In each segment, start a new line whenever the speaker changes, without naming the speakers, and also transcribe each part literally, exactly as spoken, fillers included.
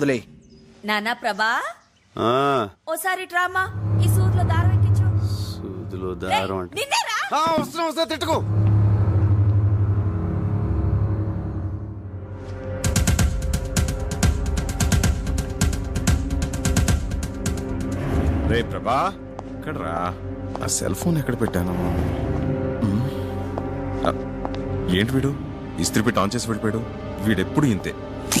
వదిలే.
నానా ప్రభా,
ఆ,
ఓసారి డ్రామా ఈ సూదిలో దారం ఎక్కించు.
సూదిలో దారం అంటే
నిన్నేరా?
ఆ, వస్తున్నా వస్తున్నా తిట్టుకో.
రే ప్రభా, ఎక్కడ రా? ఆ సెల్ ఫోన్ ఎక్కడ పెట్టాను? ఉమ్. ఆ, ఏంటి వీడు ఇస్త్రీ పెట్టి ఆన్ చేసి వెళ్ళిపోయాడు? వీడెప్పుడు ఇంతే.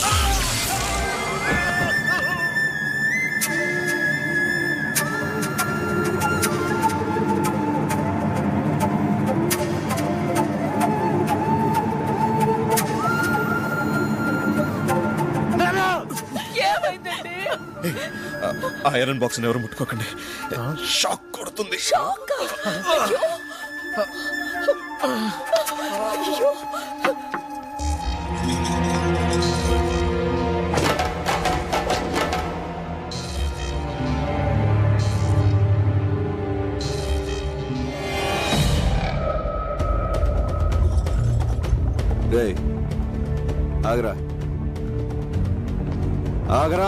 ఏమైందండి?
ఆ ఐరన్ బాక్స్ ఎవరు ముట్టుకోకండి, షాక్ కొడుతుంది.
షాకా? అయ్యో. అయ్యో.
రే ఆగరా ఆగరా.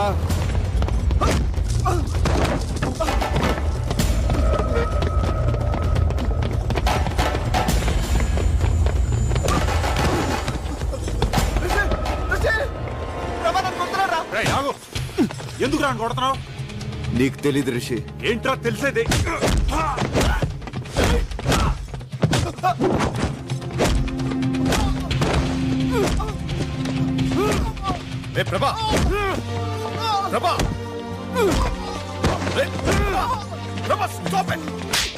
ఎందుకు రా కొడుతున్నావు?
నీకు తెలీదు రిషి.
ఏంట్రా తెలిసేది?
రే ప్రభా, ప్రభా, రే ప్రభా, స్టాప్ ఇట్.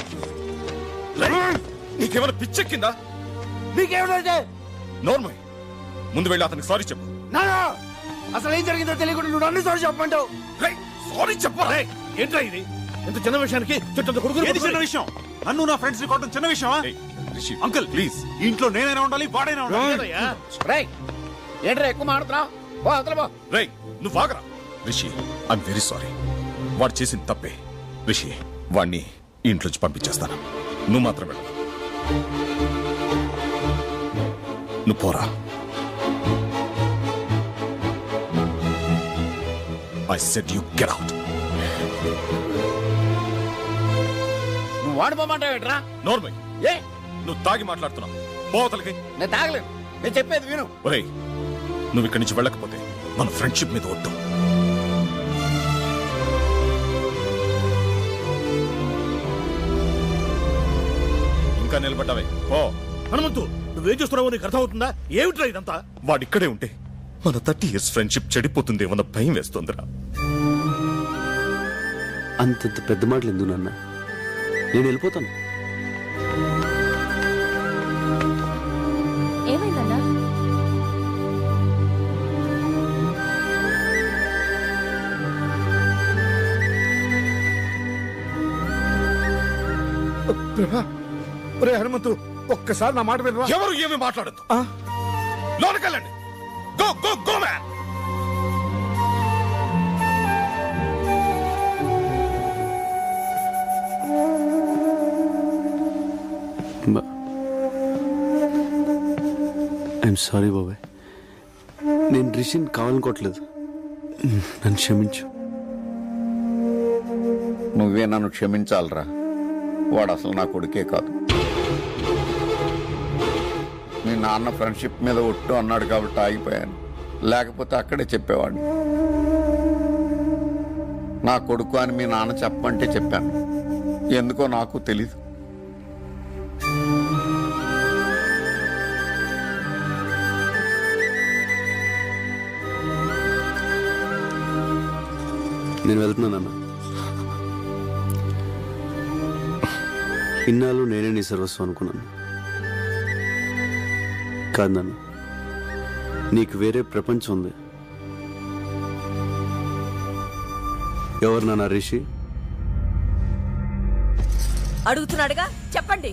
నీకేమైనా పిచ్చెక్కిందా?
నీకేమిటంటే?
నోర్మల్, ముందు వెళ్ళి అతనికి సారీ చెప్పు.
నానా, అసలు ఏం జరిగిందో తెలియకుండా నువ్వు అన్ని సార్లు చెప్పమంటావు.
సారీ చెప్పరా?
ఏంట్రా ఇది? ఇంత చిన్న విషయానికి చుట్టంత కొడుకు. చిన్న విషయం? నన్ను నా ఫ్రెండ్స్ ని కొట్టడం చిన్న విషయమా? అంకుల్ ప్లీజ్, ఇంట్లో నేనైనా ఉండాలి, వాడైనా ఉండాలి.
ఏంట్రా ఎక్కువ మాడుతున్నావు?
రే నువ్వు ఆగరా. Rishi, I'm very sorry. వాడు చేసిన తప్పే. రిషి, వాడిని ఇంట్లోంచి పంపించేస్తాను. నువ్వు మాత్రం వెళ్ళు. నువ్వు పోరా. I said you get out.
నువ్వు వాడిపోమంటావేట్రా?
నోర్మల్,
ఏ
నువ్వు తాగి మాట్లాడుతున్నావు. పోతలకి
నేను తాగలేను. నేను చెప్పేది విను.
ఒరేయ్, నువ్వు ఇక్కడి నుంచి వెళ్ళకపోతే మన ఫ్రెండ్షిప్ మీద వద్దు. ఇంకా నిలబడ్డావే ఓ
హనుమంతు, నువ్వేం చేస్తున్నావో నీకు అర్థమవుతుందా? ఏమిట్రా ఇదంతా?
వాడిక్కడే ఉంటే మన థర్టీ ఇయర్స్ ఫ్రెండ్షిప్ చెడిపోతుందేమన్న భయం వేస్తుందిరా.
అంతంత పెద్ద మాటలు ఎందుకు నాన్న? నేను వెళ్ళిపోతాను.
ఏమైందన్నా?
ప్రభా, ఒరే హనుమంతు, ఒక్కసారి నా మాట వినరా?
ఎవరు ఏమి మాట్లాడద్దు. లోనకెళ్ళండి. Go go go man.
I'm sorry బాబాయ్. నేను రిషిని కావాలనుకోవట్లేదు. నన్ను క్షమించు.
నువ్వే నన్ను క్షమించాలరా. వాడు అసలు నా కొడుకే కాదు. మీ నాన్న ఫ్రెండ్షిప్ మీద ఒట్టు అన్నాడు కాబట్టి ఆగిపోయాను. లేకపోతే అక్కడే చెప్పేవాడిని. నా కొడుకు అని మీ నాన్న చెప్పమంటే చెప్పాను. ఎందుకో నాకు తెలీదు.
నేను వెళ్తున్నానన్నా. ఇన్నాళ్ళు నేనే నీ సర్వస్వం అనుకున్నాను. కాదు నాన్న, నీకు వేరే ప్రపంచం ఉంది. ఎవరు నాన్న రిషి?
అడుగుతున్నాడుగా, చెప్పండి.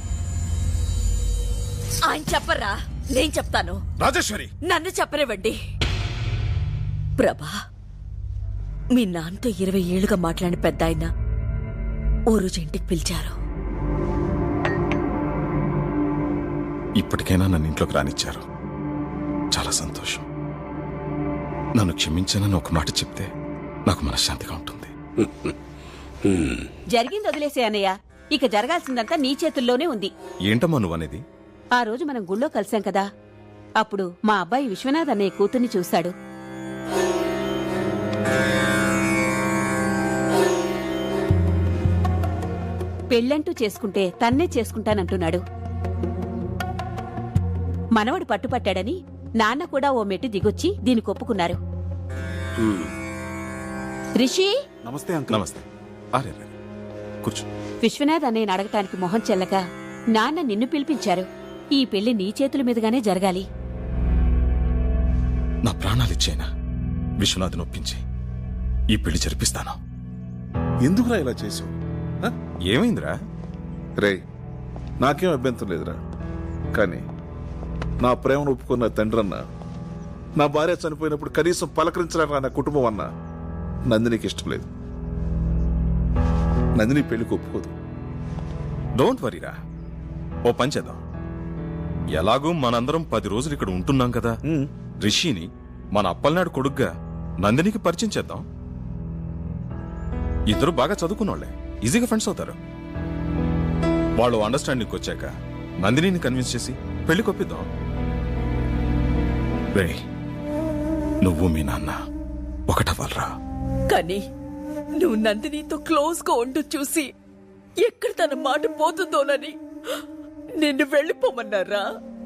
ఆయన చెప్పరా, నేను చెప్తాను.
రాజేశ్వరి,
నన్ను చెప్పనివ్వండి. ప్రభా, మీ నాన్నతో ఇరవై ఏళ్లుగా మాట్లాడిన పెద్ద ఆయన ఓ రోజు ఇంటికి పిలిచారు.
ఇప్పటికైనా నన్ను ఇంట్లోకి రానిచ్చారు. చాలా సంతోషం. నన్ను క్షమించానని ఒక మాట చెప్తే నాకు మనశ్శాంతిగా ఉంటుంది.
జరిగింది వదిలేసే అన్నయ్య. ఇక జరగాల్సిందంతా నీ చేతుల్లోనే ఉంది.
ఏంటమ్మా నువ్వనేది?
ఆ రోజు మనం గుళ్ళో కలిసాం కదా, అప్పుడు మా అబ్బాయి విశ్వనాథ్ అన్నయ్య కూతుర్ని చూశాడు. పెళ్ళంటూ చేసుకుంటే తన్నే చేసుకుంటానంటున్నాడు. మనవడు పట్టుపట్టాడని నాన్న కూడా ఓ మెట్టు దిగొచ్చి దీనికి ఒప్పుకున్నారు. రిషి,
నమస్తే అంకుల్.
నమస్తే. అరే రే, కూర్చో.
విశ్వనాథ్ అన్నయ్యని అడగటానికి మొహం చెల్లక నాన్న నిన్ను పిలిపించారు. ఈ పెళ్లి నీ చేతుల మీదుగానే జరగాలి.
నా ప్రాణాలిచ్చేనా విశ్వనాథ్ నొప్పించి ఈ పెళ్లి జరిపిస్తాను.
ఎందుకురా ఇలా చేసావు?
ఏమైందిరా?
రే, నాకేం అభ్యంతరం లేదురా, కానీ నా ప్రేమను ఒప్పుకున్న తండ్రన్న, నా భార్య చనిపోయినప్పుడు కనీసం పలకరించడానికి నా కుటుంబం అన్న నందినికి ఇష్టం లేదు. నందిని పెళ్లికి ఒప్పుకోదు.
డోంట్ వరీరా, ఓ పని చేద్దాం. ఎలాగూ మనందరం పది రోజులు ఇక్కడ ఉంటున్నాం కదా, రిషిని మన అప్పలనాడు కొడుగ్గా నందినికి పరిచయం చేద్దాం. ఇద్దరు బాగా చదువుకున్నోళ్లే, ఈజీగా ఫ్రెండ్స్ అవుతారు. వాళ్ళు అండర్స్టాండింగ్ వచ్చాక నందినిని కన్విన్స్ చేసి పెళ్లి కొప్పిద్దాం. రే, నువ్వు మీ నాన్న ఒకటవ్వాలరా.
కానీ నువ్వు నందినితో క్లోజ్ గా ఉంటూ చూసి ఎక్కడ తన మాట పోతుందోనని నిన్ను వెళ్ళిపోమన్నారా?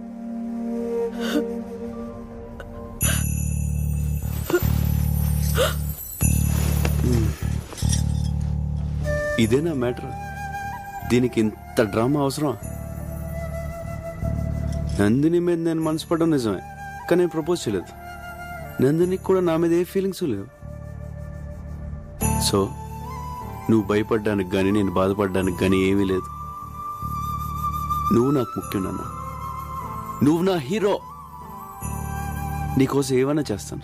ఇదేనా మ్యాటర్? దీనికి ఇంత డ్రామా అవసరం? నందిని మీద నేను మనసు పడడం నిజమే, కానీ నేను ప్రపోజ్ చేయలేదు. నందినికి కూడా నా మీద ఏ ఫీలింగ్స్ లేవు. సో నువ్వు భయపడ్డానికి కానీ నేను బాధపడ్డానికి కానీ ఏమీ లేదు. నువ్వు నాకు ముఖ్యం నాన్న, నువ్వు నా హీరో. నీకోసం ఏమైనా చేస్తాను.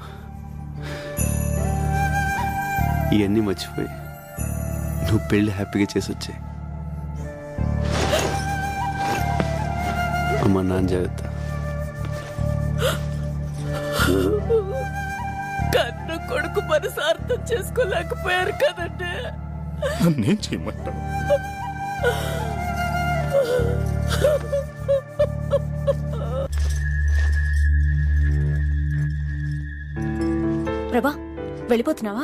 ఇవన్నీ మర్చిపోయి నువ్వు పెళ్లి హ్యాపీగా చేసి వచ్చాయి. అమ్మ నాన్న జాగ్రత్త.
కన్న కొడుకు మనసు అర్థం చేసుకోలేకపోయారు కదంటే.
నన్నేం చేయమంటావు?
ప్రభా, వెళ్ళిపోతున్నావా?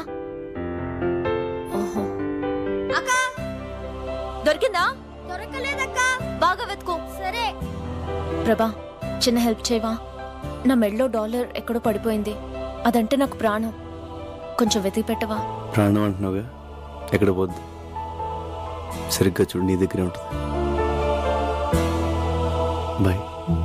ఓహో,
అక్కా
దొరికిందా?
దొరకలేదక్కా.
బాగా వెతుకో.
సరే.
ప్రభా, చిన్న హెల్ప్ చేయవా? నా మెడలో డాలర్ ఎక్కడో పడిపోయింది. అదంటే నాకు ప్రాణం. కొంచెం వెతికి పెట్టవా?
ప్రాణం అంటున్నావుగా, ఎక్కడ పోద్దు. సరిగ్గా చూడు, నీ దగ్గరే ఉంటుంది. బాయ్.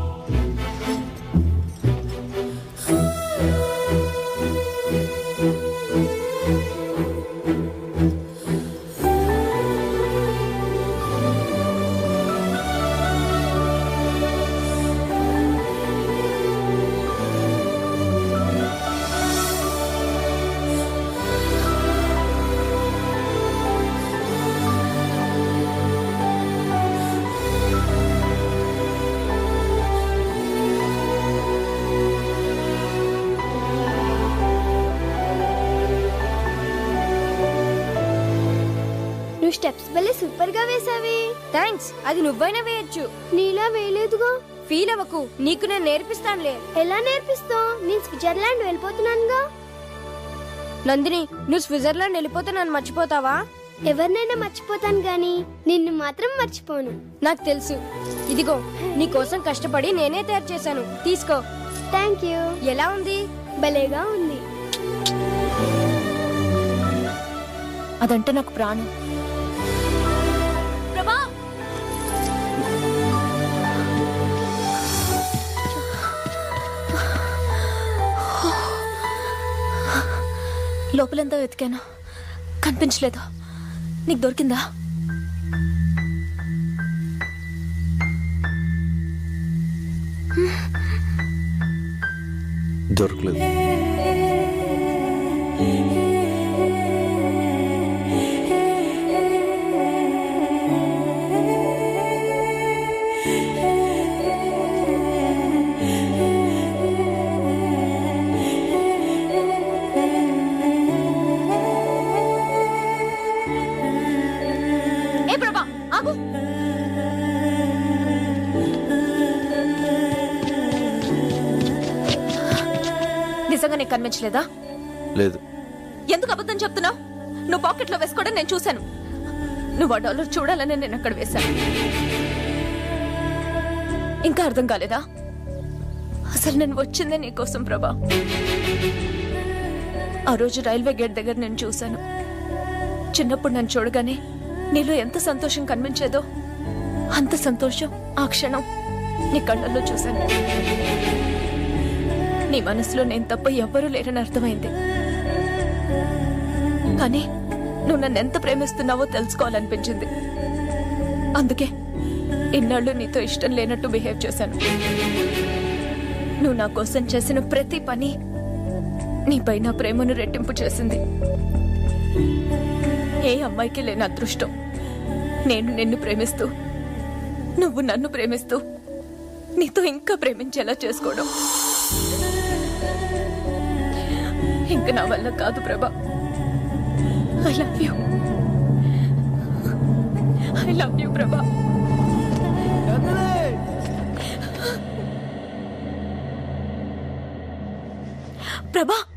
నువ్వు స్టెప్స్ భలే సూపర్ గా వేసావి. థ్యాంక్స్. అది నువ్వైనా వేయొచ్చు, నీలా వేయలేదుగా. ఫీల్ అవ్వకు, నీకు నేను నేర్పిస్తానులే. ఎలా నేర్పిస్తావు? నేను స్విట్జర్లాండ్ వెళ్ళిపోతున్నానుగా. నందిని, నువ్వు స్విట్జర్లాండ్ వెళ్ళిపోతే నన్ను మర్చిపోతావా? ఎవరినైనా మర్చిపోతాను గాని నిన్ను మాత్రం మర్చిపోను. నాకు తెలుసు. ఇదిగో, నీ కోసం కష్టపడి నేనే తయారు చేశాను, తీసుకో. Thank you. ఎలా ఉంది? భలేగా ఉంది.
అదంటే నాకు ప్రాణం. ప్రభా, లోపలంతా వెతికాను, కనిపించలేదు. నీకు దొరికిందా?
దొరకలేదు.
నీకు కనిపించలేదా?
లేదు.
ఎందుకు అబద్ధం చెప్తున్నావు? నువ్వు పాకెట్లో వేసుకోవడం నేను చూశాను. నువ్వు ఆ డాలర్ చూడాలని నేను అక్కడ వేశాను. ఇంకా అర్థం కాలేదా? అసలు నేను వచ్చిందే నీకోసం ప్రభా. ఆ రోజు రైల్వే గేట్ దగ్గర నేను చూశాను. చిన్నప్పుడు నన్ను చూడగానే నీలో ఎంత సంతోషం కనిపించేదో అంత సంతోషం ఆ క్షణం నీ కళ్ళల్లో చూశాను. నీ మనసులో నేను తప్ప ఎవ్వరూ లేరని అర్థమైంది. కానీ నువ్వు నన్ను ఎంత ప్రేమిస్తున్నావో తెలుసుకోవాలనిపించింది. అందుకే ఇన్నాళ్ళు నీతో ఇష్టం లేనట్టు బిహేవ్ చేశాను. నువ్వు నా కోసం చేసిన ప్రతి పని నీపై నా ప్రేమను రెట్టింపు చేసింది. ఏ అమ్మాయికి లేని అదృష్టం నేను నిన్ను ప్రేమిస్తూ నువ్వు నన్ను ప్రేమిస్తూ నీతో ఇంకా ప్రేమించేలా చేసుకోవడం. ఇంక నా వల్ల కాదు Prabha. I love you. I love you Prabha. ప్రభా